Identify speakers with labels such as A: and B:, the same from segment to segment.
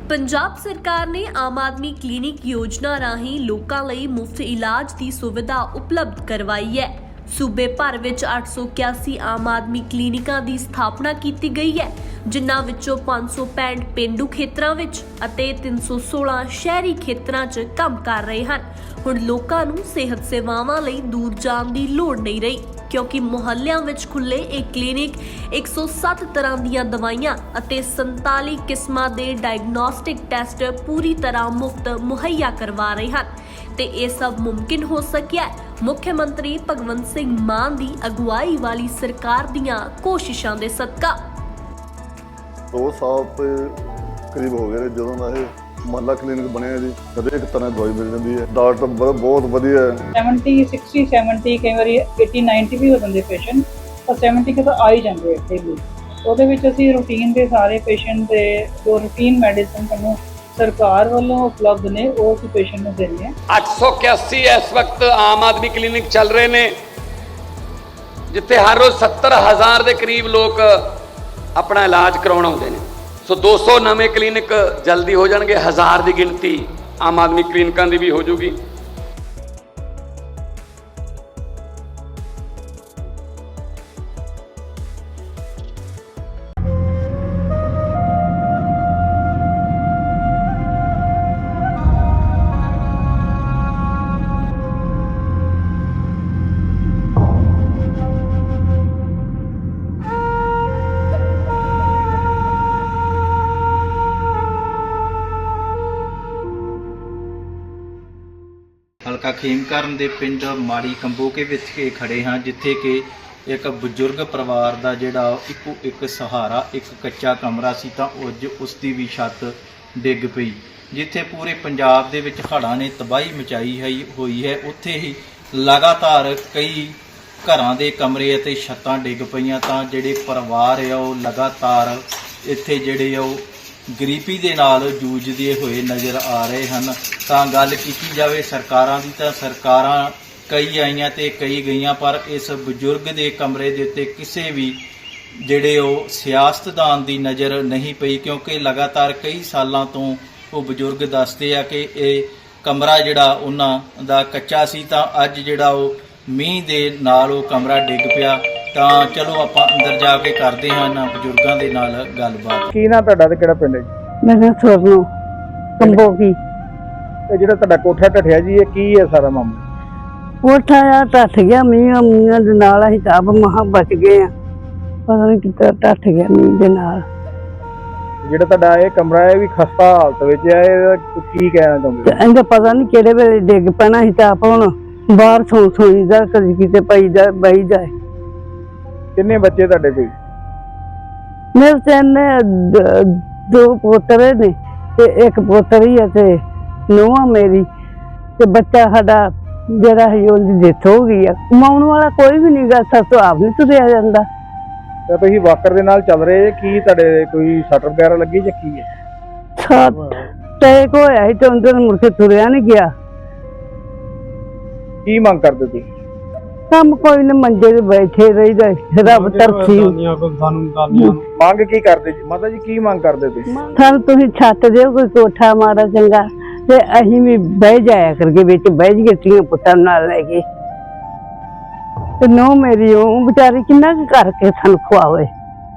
A: पंजाब सरकार ने आम आदमी क्लिनिक योजना राਹੀਂ ਲੋਕਾਂ ਲਈ ਮੁਫਤ ਇਲਾਜ ਦੀ ਸੁਵਿਧਾ ਉਪਲਬਧ ਕਰਵਾਈ ਹੈ। सूबे भर विच 881 आम आदमी क्लिनिकां ਦੀ ਸਥਾਪਨਾ ਕੀਤੀ ਗਈ ਹੈ, ਜਿਨ੍ਹਾਂ ਵਿੱਚੋਂ 565 ਪੇਂਡੂ ਖੇਤਰਾਂ ਵਿੱਚ ਅਤੇ 316 ਸ਼ਹਿਰੀ ਖੇਤਰਾਂ 'ਚ ਕੰਮ ਕਰ ਰਹੇ ਹਨ। ਹੁਣ ਲੋਕਾਂ ਨੂੰ ਸਿਹਤ ਸੇਵਾਵਾਂ ਲਈ ਦੂਰ ਜਾਣ ਦੀ ਲੋੜ ਨਹੀਂ ਰਹੀ, क्योंकि ਮੁਹੱਲਿਆਂ ਵਿੱਚ ਖੁੱਲੇ ਇਹ ਕਲੀਨਿਕ 107 ਤਰ੍ਹਾਂ ਦੀਆਂ ਦਵਾਈਆਂ ਅਤੇ 47 ਕਿਸਮਾਂ ਦੇ ਡਾਇਗਨੋਸਟਿਕ ਟੈਸਟ ਪੂਰੀ ਤਰ੍ਹਾਂ ਮੁਫਤ ਮੁਹੱਈਆ ਕਰਵਾ ਰਹੇ ਹਨ ਤੇ ਇਹ ਸਭ ਮੁਮਕਿਨ ਹੋ ਸਕਿਆ ਮੁੱਖ ਮੰਤਰੀ ਭਗਵੰਤ ਸਿੰਘ ਮਾਨ ਦੀ ਅਗਵਾਈ ਵਾਲੀ ਸਰਕਾਰ ਦੀਆਂ ਕੋਸ਼ਿਸ਼ਾਂ ਦੇ ਸਦਕਾ।
B: 2 ਸਾਲ ਤੇ ਕਰੀਬ ਹੋ ਗਏ ਨੇ ਜਦੋਂ ਦਾ ਇਹ ਮਹੱਲਾ ਕਲੀਨਿਕ ਬਣਿਆ ਜੀ। ਹਰੇਕ ਤਰ੍ਹਾਂ ਦੀ ਦਵਾਈ ਮਿਲ ਜਾਂਦੀ ਹੈ, ਡਾਕਟਰ ਬਹੁਤ ਵਧੀਆ ਹੈ।
C: 70 60 70 ਕਈ ਵਾਰੀ 80 90 ਵੀ ਹੋ ਜਾਂਦੇ ਪੇਸ਼ੈਂਟ, ਪਰ 70 ਤਾਂ ਆ ਹੀ ਜਾਂਦੇ ਇੱਥੇ ਵੀ। ਉਹਦੇ ਵਿੱਚ ਅਸੀਂ ਰੂਟੀਨ ਦੇ ਸਾਰੇ ਪੇਸ਼ੈਂਟ ਦੇ ਜੋ ਰੂਟੀਨ ਮੈਡੀਸਨ ਸਾਨੂੰ ਸਰਕਾਰ ਵੱਲੋਂ ਉਪਲਬਧ ਨੇ ਉਹ ਅਸੀਂ ਪੇਸ਼ੈਂਟ ਨੂੰ ਦਿੰਦੇ ਹਾਂ।
D: 881 ਇਸ ਵਕਤ ਆਮ ਆਦਮੀ ਕਲੀਨਿਕ ਚੱਲ ਰਹੇ ਨੇ, ਜਿੱਥੇ ਹਰ ਰੋਜ਼ 70,000 ਦੇ ਕਰੀਬ ਲੋਕ ਆਪਣਾ ਇਲਾਜ ਕਰਾਉਣ ਆਉਂਦੇ ਨੇ। ਸੋ 200 ਨਵੇਂ ਕਲੀਨਿਕ ਜਲਦੀ ਹੋ ਜਾਣਗੇ, 1000 ਦੀ ਗਿਣਤੀ ਆਮ ਆਦਮੀ ਕਲੀਨਿਕਾਂ ਦੀ ਵੀ ਹੋ ਜੂਗੀ।
E: ਹਲਕਾ ਖੇਮਕਰਨ ਦੇ ਪਿੰਡ ਮਾੜੀ ਕੰਬੋਕੇ ਵਿੱਚ ਕੇ ਖੜੇ ਹਾਂ, ਜਿੱਥੇ ਕਿ ਇੱਕ ਬਜ਼ੁਰਗ ਪਰਿਵਾਰ ਦਾ ਜਿਹੜਾ ਇੱਕੋ ਇੱਕ ਸਹਾਰਾ ਇੱਕ ਕੱਚਾ ਕਮਰਾ ਸੀ ਤਾਂ ਅੱਜ ਉਸ ਦੀ ਵੀ ਛੱਤ ਡਿੱਗ ਪਈ। ਜਿੱਥੇ ਪੂਰੇ ਪੰਜਾਬ ਦੇ ਵਿੱਚ ਹੜ੍ਹਾਂ ਨੇ ਤਬਾਹੀ ਮਚਾਈ ਹੋਈ ਹੈ, ਉੱਥੇ ਹੀ ਲਗਾਤਾਰ ਕਈ ਘਰਾਂ ਦੇ ਕਮਰੇ ਅਤੇ ਛੱਤਾਂ ਡਿੱਗ ਪਈਆਂ ਤਾਂ ਜਿਹੜੇ ਪਰਿਵਾਰ ਆ ਉਹ ਲਗਾਤਾਰ ਇੱਥੇ ਜਿਹੜੇ ਆ ਉਹ ਗਰੀਬੀ ਦੇ ਨਾਲ ਜੂਝਦੇ ਹੋਏ ਨਜ਼ਰ ਆ ਰਹੇ ਹਨ। ਤਾਂ ਗੱਲ ਕੀਤੀ ਜਾਵੇ ਸਰਕਾਰਾਂ ਦੀ ਤਾਂ ਸਰਕਾਰਾਂ ਕਈ ਆਈਆਂ ਤੇ ਕਈ ਗਈਆਂ, ਪਰ ਇਸ ਬਜ਼ੁਰਗ ਦੇ ਕਮਰੇ ਦੇ ਉੱਤੇ ਕਿਸੇ ਵੀ ਜਿਹੜੇ ਉਹ ਸਿਆਸਤਦਾਨ ਦੀ ਨਜ਼ਰ ਨਹੀਂ ਪਈ, ਕਿਉਂਕਿ ਲਗਾਤਾਰ ਕਈ ਸਾਲਾਂ ਤੋਂ ਉਹ ਬਜ਼ੁਰਗ ਦੱਸਦੇ ਆ ਕਿ ਇਹ ਕਮਰਾ ਜਿਹੜਾ ਉਹਨਾਂ ਦਾ ਕੱਚਾ ਸੀ ਤਾਂ ਅੱਜ ਜਿਹੜਾ ਉਹ ਮੀਂਹ ਦੇ ਨਾਲ ਉਹ ਕਮਰਾ ਡਿੱਗ ਪਿਆ। ਤਾਂ ਚਲੋ ਆਪਾਂ ਅੰਦਰ ਜਾ ਕੇ ਕਰਦੇ ਹਾਂ ਇਹਨਾਂ ਬਜ਼ੁਰਗਾਂ ਦੇ ਨਾਲ ਗੱਲਬਾਤ।
F: ਕੀ ਨਾਂ ਤੁਹਾਡਾ ਤੇ ਕਿਹੜਾ ਪਿੰਡ ਹੈ ਜੀ?
C: ਮੈਂ ਸੋਰਨੋ ਕੰਬੋਕੀ।
F: ਤੇ ਜਿਹੜਾ ਤੁਹਾਡਾ ਕੋਠਾ ਢੱਠਿਆ ਜੀ, ਇਹ ਕੀ ਹੈ ਸਾਰਾ ਮਾਮਲਾ?
C: ਕੋਠਾ ਆ ਢੱਠ ਗਿਆ ਮੀਂਹ ਦੇ ਨਾਲ, ਅਸੀਂ ਤਾਂ ਮਹਾਂ ਬਚ ਗਏ ਆ, ਪਤਾ ਨਹੀਂ ਕਿੱਦਾਂ ਢੱਠ ਗਿਆ ਮੀਂਹ ਦੇ ਨਾਲ।
F: ਜਿਹੜਾ ਤੁਹਾਡਾ ਇਹ ਕਮਰਾ ਹੈ ਵੀ ਖਸਤਾ ਹਾਲਤ ਵਿੱਚ ਹੈ, ਇਹਦਾ ਕੀ ਕਹਿਣਾ ਚਾਹੁੰਦੇ?
C: ਇਹਦਾ ਪਤਾ ਨਹੀਂ ਕਿਹੜੇ ਵੇਲੇ ਡਿੱਗ ਪੈਣਾ, ਅਸੀਂ ਤਾਂ ਆਪ ਹੁਣ ਬਾਹਰ ਸੋਈਦਾ, ਕਦੀ ਕਿਤੇ ਪਈਦਾ ਬਹੀਦਾ।
F: ਕਿੰਨੇ ਬੱਚੇ ਤੁਹਾਡੇ ਕੋਈ?
C: ਮੇਰੇ ਤਿੰਨ 2 ਪੋਤਰੇ ਨੇ ਤੇ ਇੱਕ ਪੋਤਰੀ ਹੈ ਤੇ ਨੂੰਹ ਮੇਰੀ ਤੇ ਬੱਚਾ ਸਾਡਾ ਜਿਹੜਾ ਹੈ ਉਹਦੀ ਡੈਥ ਹੋ ਗਈ ਆ। ਕਮਾਉਣ ਵਾਲਾ ਕੋਈ ਵੀ ਨਹੀਂ ਗਾ, ਸਾਥੋਂ ਆਪ ਨਹੀਂ ਤੁਰਿਆ ਜਾਂਦਾ।
F: ਤੇ ਤੁਸੀਂ ਵਾਕਰ ਦੇ ਨਾਲ ਚੱਲ ਰਹੇ, ਕੀ ਤੁਹਾਡੇ ਕੋਈ ਸੱਟ ਵਗੈਰਾ ਲੱਗੀ ਜਾਂ ਕੀ ਹੈ?
C: ਟੈਕ ਹੋਇਆ ਸੀ ਤੇ ਉਹਨਾਂ ਨੂੰ ਮੁੜ ਕੇ ਤੁਰਿਆ ਨਹੀਂ ਗਿਆ।
F: ਕੀ ਮੰਗ ਕਰਦੇ ਤੁਸੀਂ?
C: ਕੰਮ ਕੋਈ ਨਾ, ਮੰਜੇ ਤੇ ਬੈਠੇ ਰਹੀਦਾ, ਰੱਬ ਤਰਸੀ।
F: ਮੰਗ ਕੀ ਕਰਦੇ ਜੀ ਮਾਤਾ ਜੀ, ਕੀ ਮੰਗ ਕਰਦੇ ਤੁਸੀਂ?
C: ਸਾਨੂੰ ਤੁਸੀਂ ਛੱਤ ਦਿਓ ਕੋਈ ਕੋਠਾ ਮਾੜਾ ਚੰਗਾ, ਤੇ ਅਸੀਂ ਵੀ ਬਹਿ ਜਾਇਆ ਕਰਕੇ ਵਿੱਚ ਬਹਿ ਜੀਏ ਧੀਆਂ ਪੁੱਤਾਂ ਨਾਲ ਲੈ ਕੇ। ਤੇ ਨੋ ਮੇਰੀ ਉਹ ਵਿਚਾਰੀ ਕਿੰਨਾ ਕੁ ਕਰਕੇ ਸਾਨੂੰ ਖਵਾਵੇ।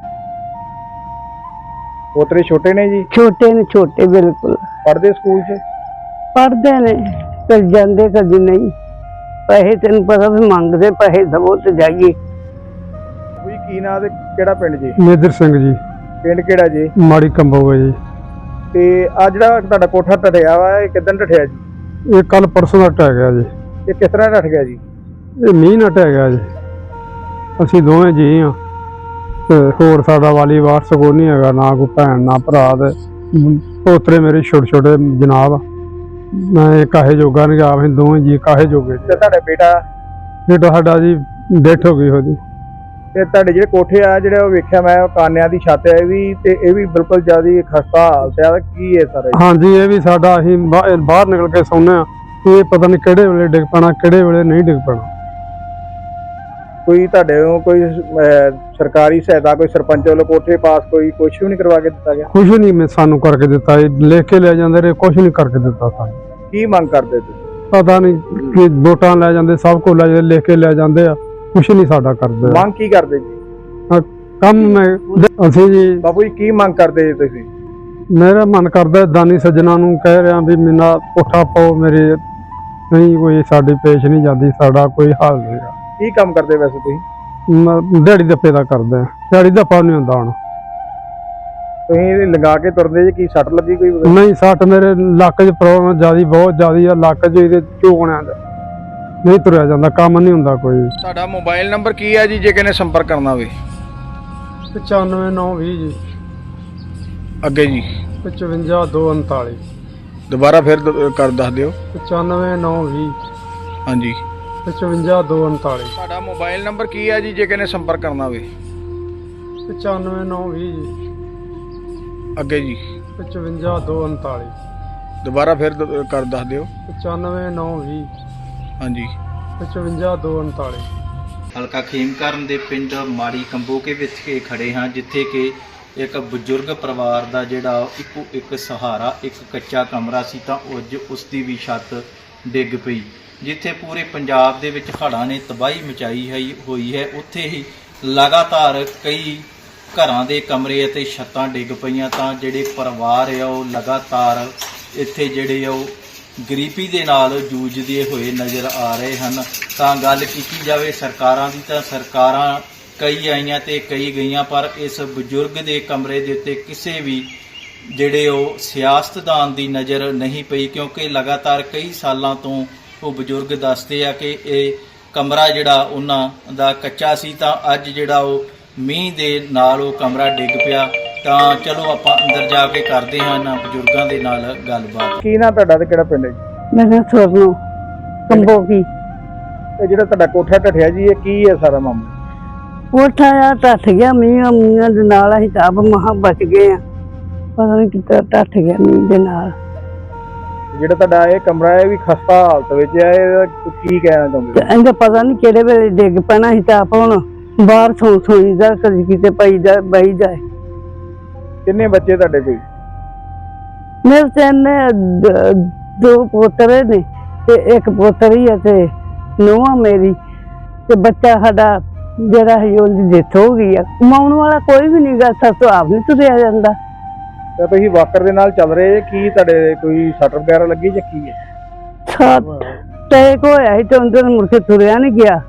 F: ਪੋਤਰੇ ਛੋਟੇ ਨੇ ਜੀ?
C: ਛੋਟੇ ਨੇ, ਛੋਟੇ ਬਿਲਕੁਲ।
F: ਪੜ੍ਹਦੇ ਸਕੂਲ 'ਚ?
C: ਪੜ੍ਹਦੇ ਨੇ, ਕਦੀ ਜਾਂਦੇ ਕਦੀ ਨਹੀਂ। ਪੈਸੇ ਤੈਨੂੰ ਪਤਾ ਵੀ ਮੰਗਦੇ, ਪੈਸੇ ਦਵੋ ਤੇ ਜਾਈਏ।
F: ਕੋਈ ਕੀ ਨਾਂ ਤੇ ਕਿਹੜਾ ਪਿੰਡ ਜੀ?
G: ਮੇਦਰ ਸਿੰਘ ਜੀ।
F: ਪਿੰਡ ਕਿਹੜਾ ਜੀ?
G: ਮਾੜੀ ਕੰਬੋਗਾ ਜੀ।
F: ਤੇ ਆ ਜਿਹੜਾ ਤੁਹਾਡਾ ਕੋਠਾ ਢੱਠਿਆ ਵਾ, ਇਹ ਕਿੱਦਣ ਢੱਠਿਆ ਜੀ?
G: ਇਹ ਕੱਲ ਪਰਸੋਂ ਦਾ ਢਹਿ ਗਿਆ ਜੀ।
F: ਇਹ ਕਿਸ ਤਰ੍ਹਾਂ ਢੱਠ ਗਿਆ ਜੀ?
G: ਇਹ ਮੀਂਹ ਨਾਲ ਢਹਿ ਗਿਆ ਜੀ। ਅਸੀਂ ਦੋਵੇਂ ਜੀ ਹਾਂ ਤੇ ਹੋਰ ਸਾਡਾ ਵਾਲੀ ਵਾਰਸ ਕੋਈ ਨਹੀਂ ਹੈਗਾ, ਨਾ ਕੋਈ ਭੈਣ ਨਾ ਭਰਾ। ਤੇ ਪੋਤਰੇ ਮੇਰੇ ਛੋਟੇ ਛੋਟੇ ਜਨਾਬ, ਮੈਂ ਕਾਹੇ ਜੋਗਾ ਨਹੀਂ ਗਿਆ, ਅਸੀਂ ਦੋਵੇਂ ਜੀ ਕਾਹੇ ਜੋਗੇ।
F: ਤੇ ਤੁਹਾਡਾ ਬੇਟਾ
G: ਸਾਡਾ ਜੀ ਡੈਥ ਹੋ ਗਈ ਉਹਦੀ।
F: ਤੇ ਤੁਹਾਡੇ ਜਿਹੜੇ ਕੋਠੇ ਆ ਜਿਹੜੇ ਉਹ ਵੇਖਿਆ ਮੈਂ, ਕਾਨਿਆਂ ਦੀ ਛੱਤ ਹੈ ਵੀ, ਤੇ ਇਹ ਵੀ ਬਿਲਕੁਲ ਜ਼ਿਆਦਾ ਖਸਤਾ ਹਾਲਤ ਹੈ, ਕੀ ਹੈ ਸਰ?
G: ਹਾਂਜੀ, ਇਹ ਵੀ ਸਾਡਾ, ਅਸੀਂ ਬਾਹਰ ਨਿਕਲ ਕੇ ਸੌਂਦੇ ਹਾਂ, ਇਹ ਪਤਾ ਨਹੀਂ ਕਿਹੜੇ ਵੇਲੇ ਡਿੱਗ ਪੈਣਾ, ਕਿਹੜੇ ਵੇਲੇ ਨਹੀਂ ਡਿੱਗ ਪੈਣਾ।
F: ਕੋਈ ਤੁਹਾਡੇ ਨੂੰ ਕੋਈ ਸਰਕਾਰੀ ਸਹਾਇਤਾ ਕੋਈ ਸਰਪੰਚ ਵੱਲੋਂ ਕੋਠੇ ਪਾਸ ਕੋਈ ਕੁਝ ਵੀ ਨਹੀਂ ਕਰਵਾ ਕੇ ਦਿੱਤਾ ਗਿਆ?
G: ਕੁਛ ਨਹੀਂ ਸਾਨੂੰ ਕਰਕੇ ਦਿੱਤਾ, ਇਹ ਲਿਖ ਕੇ ਲੈ ਜਾਂਦੇ ਰਹੇ, ਕੁਛ ਨਹੀਂ ਕਰਕੇ ਦਿੱਤਾ ਸਾਨੂੰ।
F: ਕੀ ਮੰਗ ਕਰਦੇ ਤੁਸੀਂ?
G: ਪਤਾ ਨਹੀਂ ਕਿ ਵੋਟਾਂ ਲੈ ਜਾਂਦੇ, ਸਭ ਕੁਝ ਲੈ ਜਾਂਦੇ, ਲਿਖ ਕੇ ਲੈ ਜਾਂਦੇ ਆ, ਕੁਛ ਨਹੀਂ ਸਾਡਾ ਕਰਦੇ।
F: ਮੰਗ ਕੀ ਕਰਦੇ ਜੀ?
G: ਕੰਮ ਅਸੀਂ ਜੀ
F: ਬਾਪੂ ਜੀ ਕੀ ਮੰਗ ਕਰਦੇ ਜੀ ਤੁਸੀਂ?
G: ਮੇਰਾ ਮਨ ਕਰਦਾ ਦਾਨੀ ਸੱਜਣਾ ਨੂੰ ਕਹਿ ਰਿਹਾ ਵੀ ਮੇਰਾ ਕੋਠਾ ਪਾਓ, ਮੇਰੇ ਨਹੀਂ ਕੋਈ ਸਾਡੀ ਪੇਸ਼ ਨਹੀਂ ਜਾਂਦੀ, ਸਾਡਾ ਕੋਈ ਹੱਲ ਨਹੀਂ।
F: ਕੀ ਕੰਮ ਕਰਦੇ ਵੈਸੇ ਤੁਸੀਂ?
G: ਦਿਹਾੜੀ ਦੱਪੇ ਦਾ ਕਰਦਾ, ਦਿਹਾੜੀ ਦੱਪਾ ਨਹੀਂ ਹੁੰਦਾ ਹੁਣ।
F: ਤੁਸੀਂ ਲਗਾ ਕੇ ਤੁਰਦੇ ਜੀ, ਕੀ ਸੱਟ ਲੱਗੀ ਕੋਈ?
G: ਨਹੀਂ, ਸੱਟ ਮੇਰੇ ਲੱਕ 'ਚ ਪ੍ਰੋਬਲਮ ਜਿਆਦੀ, ਬਹੁਤ ਜ਼ਿਆਦੀ ਆ ਲੱਕ 'ਚ, ਇਹਦੇ ਝੋਕਣਿਆਂ ਦਾ ਨਹੀਂ ਤੁਰਿਆ ਜਾਂਦਾ, ਕੰਮ ਨਹੀਂ ਹੁੰਦਾ ਕੋਈ।
F: ਤੁਹਾਡਾ ਮੋਬਾਈਲ ਨੰਬਰ ਕੀ ਹੈ ਜੀ ਜੇ ਕਿਸੇ ਨੇ ਸੰਪਰਕ ਕਰਨਾ ਹੋਵੇ?
G: 9520 ਜੀ,
F: ਅੱਗੇ ਜੀ
G: 55239।
F: ਦੁਬਾਰਾ ਫਿਰ ਕਰ ਦੱਸ ਦਿਓ।
G: 9520
F: ਹਾਂਜੀ
G: 55239।
F: ਤੁਹਾਡਾ ਮੋਬਾਈਲ ਨੰਬਰ ਕੀ ਹੈ ਜੀ ਜੇ ਕਿਸੇ ਨੇ ਸੰਪਰਕ ਕਰਨਾ ਹੋਵੇ?
G: 9520 ਜੀ,
F: ਅੱਗੇ ਜੀ
G: 55239।
F: ਦੁਬਾਰਾ ਫਿਰ ਕਰ ਦੱਸ ਦਿਓ।
G: 9520
F: ਹਾਂਜੀ
G: 55239।
E: ਹਲਕਾ ਖੇਮਕਰਨ ਦੇ ਪਿੰਡ ਮਾੜੀ ਕੰਬੋਕੇ ਵਿੱਚ ਕੇ ਖੜੇ ਹਾਂ, ਜਿੱਥੇ ਕਿ ਇੱਕ ਬਜ਼ੁਰਗ ਪਰਿਵਾਰ ਦਾ ਜਿਹੜਾ ਇੱਕੋ ਇੱਕ ਸਹਾਰਾ, ਇੱਕ ਕੱਚਾ ਕਮਰਾ ਸੀ ਤਾਂ ਅੱਜ ਉਸ ਦੀ ਵੀ ਛੱਤ ਡਿੱਗ ਪਈ। ਜਿੱਥੇ ਪੂਰੇ ਪੰਜਾਬ ਦੇ ਵਿੱਚ ਹੜ੍ਹਾਂ ਨੇ ਤਬਾਹੀ ਮਚਾਈ ਹੋਈ ਹੈ, ਉੱਥੇ ਹੀ ਲਗਾਤਾਰ ਕਈ ਘਰਾਂ ਦੇ ਕਮਰੇ ਅਤੇ ਛੱਤਾਂ ਡਿੱਗ ਪਈਆਂ ਤਾਂ ਜਿਹੜੇ ਪਰਿਵਾਰ ਆ ਉਹ ਲਗਾਤਾਰ ਇੱਥੇ ਜਿਹੜੇ ਆ ਉਹ ਗਰੀਬੀ ਦੇ ਨਾਲ ਜੂਝਦੇ ਹੋਏ ਨਜ਼ਰ ਆ ਰਹੇ ਹਨ। ਤਾਂ ਗੱਲ ਕੀਤੀ ਜਾਵੇ ਸਰਕਾਰਾਂ ਦੀ ਤਾਂ ਸਰਕਾਰਾਂ ਕਈ ਆਈਆਂ ਤੇ ਕਈ ਗਈਆਂ, ਪਰ ਇਸ ਬਜ਼ੁਰਗ ਦੇ ਕਮਰੇ ਦੇ ਉੱਤੇ ਕਿਸੇ ਵੀ ਜਿਹੜੇ ਉਹ ਸਿਆਸਤਦਾਨ ਦੀ ਨਜ਼ਰ ਨਹੀਂ ਪਈ, ਕਿਉਂਕਿ ਲਗਾਤਾਰ ਕਈ ਸਾਲਾਂ ਤੋਂ ਉਹ ਬਜ਼ੁਰਗ ਦੱਸਦੇ ਆ ਕਿ ਇਹ ਕਮਰਾ ਜਿਹੜਾ ਉਹਨਾਂ ਦਾ ਕੱਚਾ ਸੀ ਤਾਂ ਅੱਜ ਜਿਹੜਾ ਉਹ ਮੀਂਹ ਦੇ ਨਾਲ ਉਹ ਕਮਰਾ ਡਿੱਗ ਪਿਆ। ਤਾਂ ਚਲੋ ਆਪਾਂ ਅੰਦਰ ਜਾ ਕੇ ਕਰਦੇ ਹਾਂ ਇਹਨਾਂ ਬਜ਼ੁਰਗਾਂ ਦੇ ਨਾਲ ਗੱਲਬਾਤ।
F: ਕੀ ਨਾਂ ਤੁਹਾਡਾ ਤੇ ਕਿਹੜਾ ਪਿੰਡ ਹੈ ਜੀ?
C: ਮੇਰਾ ਸੋਨੂੰ ਕੰਬੋਕੀ।
F: ਇਹ ਜਿਹੜਾ ਤੁਹਾਡਾ ਕੋਠਾ ਢੱਠਿਆ ਜੀ, ਇਹ ਕੀ ਹੈ ਸਾਰਾ ਮਾਮਲਾ?
C: ਕੋਠਾ ਆ ਟੱਟ ਗਿਆ ਮੀਂਹ ਦੇ ਨਾਲ, ਅਸੀਂ ਤਾਂ ਆਪ ਮਹਾਂ ਬਚ ਗਏ ਆ, ਪਤਾ ਨਹੀਂ ਕਿੱਦਾਂ ਟੱਟ ਗਿਆ ਮੀਂਹ ਦੇ ਨਾਲ।
F: ਜਿਹੜਾ ਤੁਹਾਡਾ ਇਹ ਕਮਰਾ ਹੈ ਵੀ ਖਸਤਾ ਹਾਲਤ ਵਿੱਚ ਹੈ, ਇਹਦਾ ਕੀ ਕਹਿਣਾ ਚਾਹੁੰਦੇ?
C: ਤੇ ਇਹਦਾ ਪਤਾ ਨਹੀਂ ਕਿਹੜੇ ਵੇਲੇ ਡਿੱਗ ਪੈਣਾ, ਅਸੀਂ ਤਾਂ ਆਪ ਹੁਣ ਬਾਹਰ ਸੋਈਦਾ, ਕਦੀ ਕਿਤੇ ਪਈਦਾ ਬਹੀਦਾ।
F: ਕਿੰਨੇ ਬੱਚੇ ਤੁਹਾਡੇ ਕੋਈ?
C: ਮੇਰੇ ਤੇ ਦੋ ਪੋਤਰੇ ਨੇ ਤੇ ਇੱਕ ਪੋਤਰੀ ਹੈ ਤੇ ਨੂੰਹ ਮੇਰੀ, ਤੇ ਬੱਚਾ ਸਾਡਾ ਜਿਹੜਾ ਹੈ ਉਹਦੀ ਡੈਥ ਹੋ ਗਈ ਆ। ਕਮਾਉਣ ਵਾਲਾ ਕੋਈ ਵੀ ਨਹੀਂ ਗਾ, ਸਾਥੋਂ ਆਪ ਨਹੀਂ ਤੁਰਿਆ ਜਾਂਦਾ।
F: ਤੇ ਤੁਸੀਂ ਵਾਕਰ ਦੇ ਨਾਲ ਚੱਲ ਰਹੇ, ਕੀ ਤੁਹਾਡੇ ਕੋਈ ਸੱਟ ਵਗੈਰਾ ਲੱਗੀ ਜਾਂ ਕੀ ਹੈ?
C: ਟੈਕ ਹੋਇਆ ਸੀ ਤੇ ਅੰਦਰ ਮੁੜ ਕੇ ਤੁਰਿਆ ਨਹੀਂ ਗਿਆ।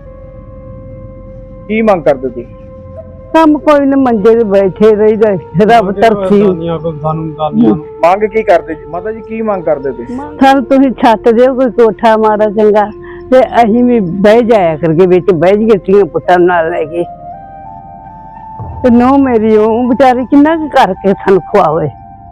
F: ਕੀ ਮੰਗ ਕਰਦੇ ਤੁਸੀਂ?
C: ਕੰਮ ਕੋਈ ਨਾ, ਮੰਜੇ ਤੇ ਬੈਠੇ ਰਹੀਦਾ, ਰੱਬ ਤਰਫੀ।
F: ਮੰਗ ਕੀ ਕਰਦੇ ਜੀ ਮਾਤਾ ਜੀ, ਕੀ ਮੰਗ ਕਰਦੇ ਤੁਸੀਂ?
C: ਸਾਨੂੰ ਤੁਸੀਂ ਛੱਤ ਦਿਓ, ਕੋਈ ਕੋਠਾ ਮਾੜਾ ਚੰਗਾ, ਤੇ ਅਸੀਂ ਵੀ ਬਹਿ ਜਾਇਆ ਕਰਕੇ ਵਿੱਚ ਬਹਿ ਜੀਏ ਧੀਆਂ ਪੁੱਤਾਂ ਨਾਲ ਲੈ ਕੇ। ਤੇ ਨੂੰਹ ਮੇਰੀ ਉਹ ਵਿਚਾਰੀ ਕਿੰਨਾ ਕੁ ਕਰਕੇ ਸਾਨੂੰ ਖਵਾਵੇ।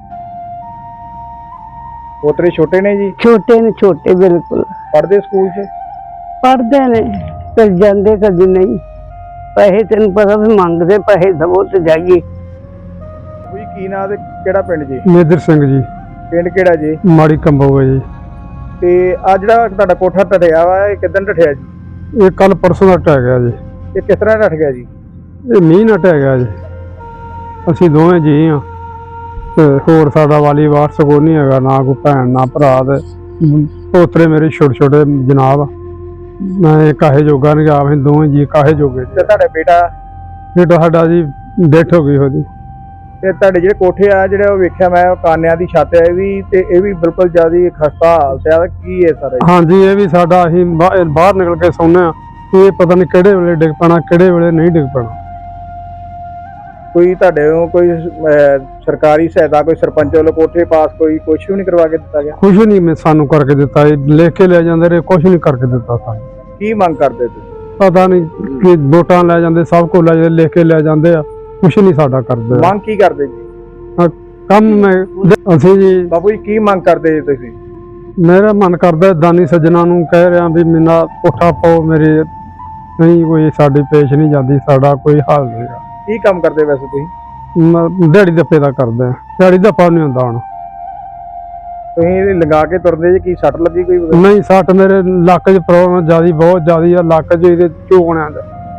F: ਪੋਤਰੇ ਛੋਟੇ ਨੇ ਜੀ?
C: ਛੋਟੇ ਨੇ, ਛੋਟੇ ਬਿਲਕੁਲ।
F: ਪੜ੍ਹਦੇ ਸਕੂਲ 'ਚ?
C: ਪੜ੍ਹਦੇ ਨੇ, ਕਦੀ ਜਾਂਦੇ ਕਦੀ ਨਹੀਂ। ਪੈਸੇ ਤੈਨੂੰ ਪਤਾ ਵੀ ਮੰਗਦੇ, ਪੈਸੇ ਦਵੋ ਤੇ ਜਾਈਏ।
F: ਕੋਈ ਕੀ ਨਾਂ ਤੇ ਕਿਹੜਾ ਪਿੰਡ ਜੀ?
G: ਮੇਦਰ ਸਿੰਘ ਜੀ,
F: ਪਿੰਡ ਕਿਹੜਾ ਜੀ?
G: ਮਾੜੀ ਕੰਬੋਗਾ ਜੀ।
F: ਤੇ ਆ ਜਿਹੜਾ ਤੁਹਾਡਾ ਕੋਠਾ ਢੱਠਿਆ ਵਾ, ਇਹ ਕਿੱਦਣ ਢੱਠਿਆ ਜੀ?
G: ਇਹ ਕੱਲ ਪਰਸੋਂ ਦਾ ਢਹਿ ਗਿਆ ਜੀ।
F: ਇਹ ਕਿਸ ਤਰ੍ਹਾਂ ਢੱਠ ਗਿਆ ਜੀ?
G: ਇਹ ਮੀਂਹ ਨਾਲ ਢਹਿ ਗਿਆ ਜੀ। ਅਸੀਂ ਦੋਵੇਂ ਜੀ ਹਾਂ ਤੇ ਹੋਰ ਸਾਡਾ ਵਾਲੀ ਵਾਰਸ ਕੋਈ ਨਹੀਂ ਹੈਗਾ, ਨਾ ਕੋਈ ਭੈਣ ਨਾ ਭਰਾ, ਤੇ ਪੋਤਰੇ ਮੇਰੇ ਛੋਟੇ ਛੋਟੇ ਜਨਾਬ। ਮੈਂ ਕਾਹੇ ਜੋਗਾ ਨਹੀਂ ਗਿਆ, ਅਸੀਂ ਦੋਵੇਂ ਜੀ ਕਾਹੇ ਜੋਗੇ।
F: ਤੇ ਤੁਹਾਡਾ ਬੇਟਾ?
G: ਬੇਟਾ ਸਾਡਾ ਜੀ ਡੈਥ ਹੋ ਗਈ ਉਹਦੀ।
F: ਤੇ ਤੁਹਾਡੇ ਜਿਹੜੇ ਕੋਠੇ ਆ ਜਿਹੜੇ ਉਹ ਵੇਖਿਆ ਮੈਂ, ਕਾਨਿਆਂ ਦੀ ਛੱਤ ਹੈ ਵੀ, ਤੇ ਇਹ ਵੀ ਬਿਲਕੁਲ ਜਿਆਦਾ ਖਸਤਾ ਹਾਲਤ ਹੈ, ਕੀ ਹੈ ਸਾਰਾ?
G: ਹਾਂਜੀ, ਇਹ ਵੀ ਸਾਡਾ, ਅਸੀਂ ਬਾਹਰ ਨਿਕਲ ਕੇ ਸੌਂਦੇ ਹਾਂ, ਇਹ ਪਤਾ ਨਹੀਂ ਕਿਹੜੇ ਵੇਲੇ ਡਿੱਗ ਪੈਣਾ, ਕਿਹੜੇ ਵੇਲੇ ਨਹੀਂ ਡਿੱਗ ਪੈਣਾ।
F: ਕੋਈ ਤੁਹਾਡੇ ਨੂੰ ਕੋਈ ਸਰਕਾਰੀ ਸਹਾਇਤਾ ਕੋਈ ਸਰਪੰਚ ਵੱਲੋਂ ਕੋਠੇ ਪਾਸ ਕੋਈ ਕੁਝ ਵੀ ਨਹੀਂ ਕਰਵਾ ਕੇ ਦਿੱਤਾ ਗਿਆ?
G: ਕੁਛ ਨਹੀਂ ਸਾਨੂੰ ਕਰਕੇ ਦਿੱਤਾ, ਇਹ ਲਿਖ ਕੇ ਲੈ ਜਾਂਦੇ ਰਹੇ, ਕੁਛ ਨਹੀਂ ਕਰਕੇ ਦਿੱਤਾ ਸਾਨੂੰ।
F: ਕੀ ਮੰਗ ਕਰਦੇ ਤੁਸੀਂ?
G: ਪਤਾ ਨਹੀਂ ਕਿ ਵੋਟਾਂ ਲੈ ਜਾਂਦੇ, ਸਭ ਕੁਝ ਲੈ ਜਾਂਦੇ, ਲਿਖ ਕੇ ਲੈ ਜਾਂਦੇ ਆ, ਕੁਛ ਨਹੀਂ ਸਾਡਾ ਕਰਦੇ।
F: ਮੰਗ ਕੀ ਕਰਦੇ ਜੀ?
G: ਕੰਮ ਅਸੀਂ ਜੀ
F: ਬਾਪੂ ਜੀ ਕੀ ਮੰਗ ਕਰਦੇ ਜੀ ਤੁਸੀਂ?
G: ਮੇਰਾ ਮਨ ਕਰਦਾ ਦਾਨੀ ਸੱਜਣਾ ਨੂੰ ਕਹਿ ਰਿਹਾ ਵੀ ਮੇਰਾ ਕੋਠਾ ਪਾਓ, ਮੇਰੇ ਨਹੀਂ ਕੋਈ ਸਾਡੀ ਪੇਸ਼ ਨਹੀਂ ਜਾਂਦੀ, ਸਾਡਾ ਕੋਈ ਹੱਲ ਨਹੀਂ।
F: ਕੀ ਕੰਮ ਕਰਦੇ ਵੈਸੇ ਤੁਸੀਂ?
G: ਦਿਹਾੜੀ ਦੱਪੇ ਦਾ ਕਰਦੇ ਆ, ਦਿਹਾੜੀ ਦੱਪਾ ਨਹੀਂ ਹੁੰਦਾ ਹੁਣ।
F: ਤੁਸੀਂ ਲਗਾ ਕੇ ਤੁਰਦੇ ਜੀ, ਕੀ ਸੱਟ ਲੱਗੀ ਕੋਈ?
G: ਨਹੀਂ, ਸੱਟ ਮੇਰੇ ਲੱਕ 'ਚ ਪ੍ਰੋਬਲਮ ਜਿਆਦੀ, ਬਹੁਤ ਜ਼ਿਆਦੀ ਆ, ਲੱਕ 'ਚ ਇਹਦੇ ਝੋਕਣਿਆਂ ਦਾ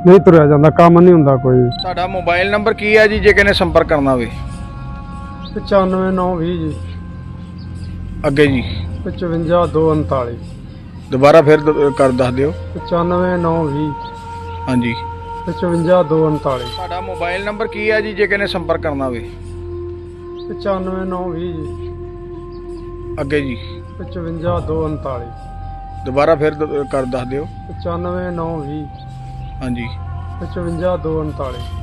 G: ਨਹੀਂ ਤੁਰਿਆ ਜਾਂਦਾ, ਕੰਮ ਨਹੀਂ ਹੁੰਦਾ ਕੋਈ।
F: ਤੁਹਾਡਾ ਮੋਬਾਈਲ ਨੰਬਰ ਕੀ ਹੈ ਜੀ ਜੇ ਕਿਸੇ ਨੇ ਸੰਪਰਕ ਕਰਨਾ ਹੋਵੇ?
G: 95920 ਜੀ,
F: ਅੱਗੇ ਜੀ
G: 55239।
F: ਦੁਬਾਰਾ ਫਿਰ ਕਰ ਦੱਸ ਦਿਓ।
G: 95920
F: ਹਾਂਜੀ
G: 55239।
F: ਤੁਹਾਡਾ ਮੋਬਾਈਲ ਨੰਬਰ ਕੀ ਹੈ ਜੀ ਜੇ ਕਿਸੇ ਨੇ ਸੰਪਰਕ ਕਰਨਾ ਹੋਵੇ?
G: 95920 ਜੀ,
F: ਅੱਗੇ ਜੀ
G: 55239।
F: ਦੁਬਾਰਾ ਫਿਰ ਕਰ ਦੱਸ ਦਿਓ।
G: 95920
F: ਹਾਂਜੀ
G: 55239।